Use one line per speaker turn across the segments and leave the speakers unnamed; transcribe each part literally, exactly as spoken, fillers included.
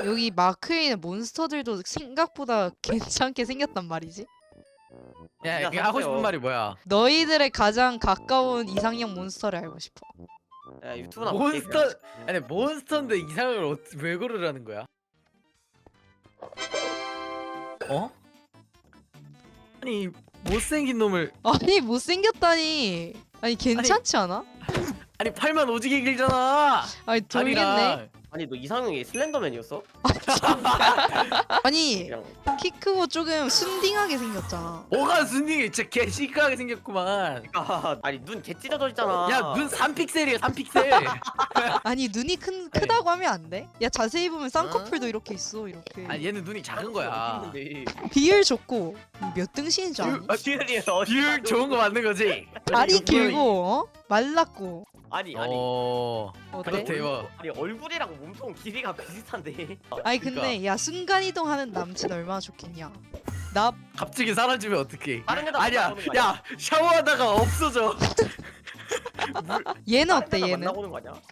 여기 마크에 있는 몬스터들도 생각보다 괜찮게 생겼단 말이지.
야,
야,
이거 하고
샀어요.
싶은 말이 뭐야?
너희들의 가장 가까운 이상형 몬스터를 알고 싶어.
야 유튜브나
몬스터 아니 몬스터인데 이상을 어, 왜 고르라는 거야? 어? 아니 못생긴 놈을
아니 못생겼다니. 아니 괜찮지 않아?
아니 팔만 오지게 길잖아.
아니 돌겠네.
다리랑.
아니 너 이상형이 슬렌더맨이었어?
아니
그냥
키 크고 조금 순딩하게 생겼잖아.
뭐가 순딩이 진짜 개 시크하게 생겼구만.
아, 아니 눈 개 찢어져 있잖아.
야 눈 삼 픽셀이야 삼 픽셀.
아니 눈이 큰 크다고 하면 안 돼? 야 자세히 보면
어?
쌍꺼풀도 이렇게 있어 이렇게.
아니 얘는 눈이 작은 거야.
비율 좋고 몇 등신인 줄 아니?
아,
비율이 어디
비율 좋은 거 맞는 거지?
다리
이거
길고 어? 말랐고
아니 아니
어.
어때?
그렇대 뭐.
아니 얼굴이랑 몸통 길이가 비슷한데.
아니 근데
그러니까.
야 순간이동하는 남친 얼마나 좋겠냐. 나
갑자기 사라지면 어떡해?
다른 데다
아니야.
만나보는 거 아니야?
야 샤워하다가 없어져.
얘는
다른
어때
데다
얘는?
만나보는 거 아니야?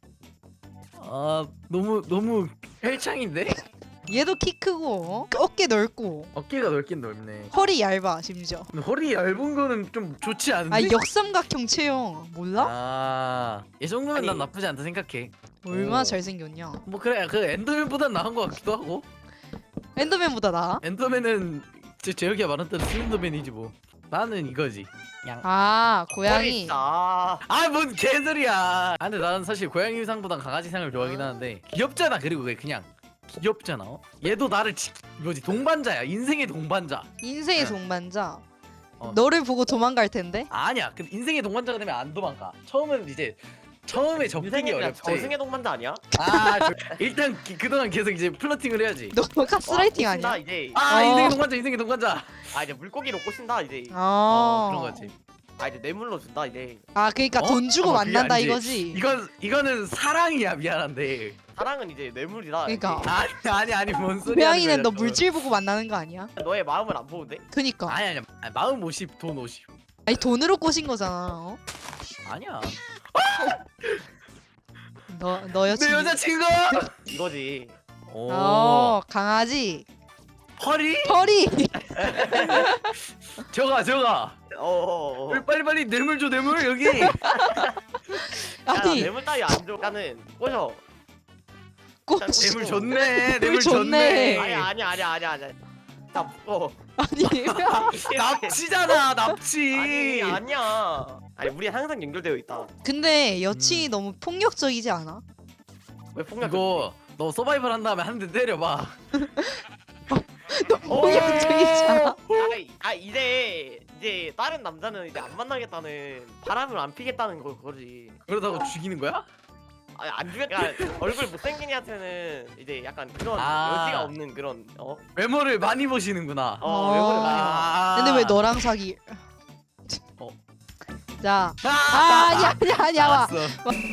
아 너무 너무 헬창인데?
얘도 키 크고 어? 어깨 넓고
어깨가 넓긴 넓네.
허리 얇아 심지어.
근데 허리 얇은 거는 좀 좋지 않은데?
아 역삼각형 체형 몰라?
아, 이 정도면
아니.
난 나쁘지 않다 생각해.
얼마나
오.
잘생겼냐.
뭐 그래, 그 엔더맨보단 나은 것 같기도 하고.
엔더맨보다 나아?
엔더맨은 제 제혁이가 말했던 슬렌더맨이지 뭐. 나는 이거지. 양.
아
머리
고양이.
진짜. 아,
아뭔 개소리야. 아 근데 나는 사실 고양이 상보단 강아지 상을 좋아하긴 하는데 귀엽잖아. 그리고 그게 그냥 귀엽잖아. 어? 얘도 나를 지, 뭐지 동반자야. 인생의 동반자.
인생의 동반자.
어.
너를 보고 도망갈 텐데?
아니야. 그 인생의 동반자가 되면 안 도망가. 처음은 이제 처음에 접근이
인생이 그냥
어렵지.
저승의 동반자 아니야?
아 저- 일단 기, 그동안 계속 이제 플러팅을 해야지.
너 가스라이팅
와,
아니야?
꼬신다, 이제.
아
어.
인생의 동반자 인생의 동반자.
아 이제 물고기로 꼬신다 이제.
아
어 그런 거지.
아 이제 뇌물로 준다 이제.
아 그러니까
어?
돈 주고
어, 그게
만난다
아니지.
이거지.
이건 이거는 사랑이야 미안한데.
사랑은 이제 뇌물이다.
그러니까.
이제.
아니 아니 아니 뭔 소리야?
고양이는 너 물질 보고 만나는 거 아니야?
너의 마음을 안 보는데?
그니까.
아니 아니 아니, 마음 오십 돈 오십.
아니 돈으로 꼬신 거잖아. 어?
아니야.
너, 너
내
여친.
여자친구.
이거지.
오.
어 강아지.
허리?
털이.
저가 저가.
어어어.
빨리 빨리 빨리 뇌물 줘 뇌물 여기.
야,
아니
뇌물 따위 안 줘. 나는 꼬셔.
꼬시.
뇌물 줬네.
뇌물
뇌물
줬네.
줬네.
아니야 아니야 아니야 아니야 아니야. 나 묶어.
아니
납치잖아 납치.
아니 아니야. 아니 우리 항상 연결되어 있다.
근데 여친이
음.
너무 폭력적이지 않아?
왜 폭력?
이거 너 서바이벌 한 다음에 한 대 때려봐.
너무 폭력적이지 않아?
아, 아 이제 이제 다른 남자는 이제 안 만나겠다는 바람을 안 피겠다는 거 그거지.
그러다가 죽이는 거야?
아니 안 죽여. 그러니까 얼굴 못생긴 애한테는 이제 약간 그런
아.
여지가 없는 그런 어.
외모를 많이 보시는구나.
어 외모를 많이 봐.
아.
근데 왜 너랑 사기?
어.
자.
아,
아 아니야 아니야 아니야 와.
알았어.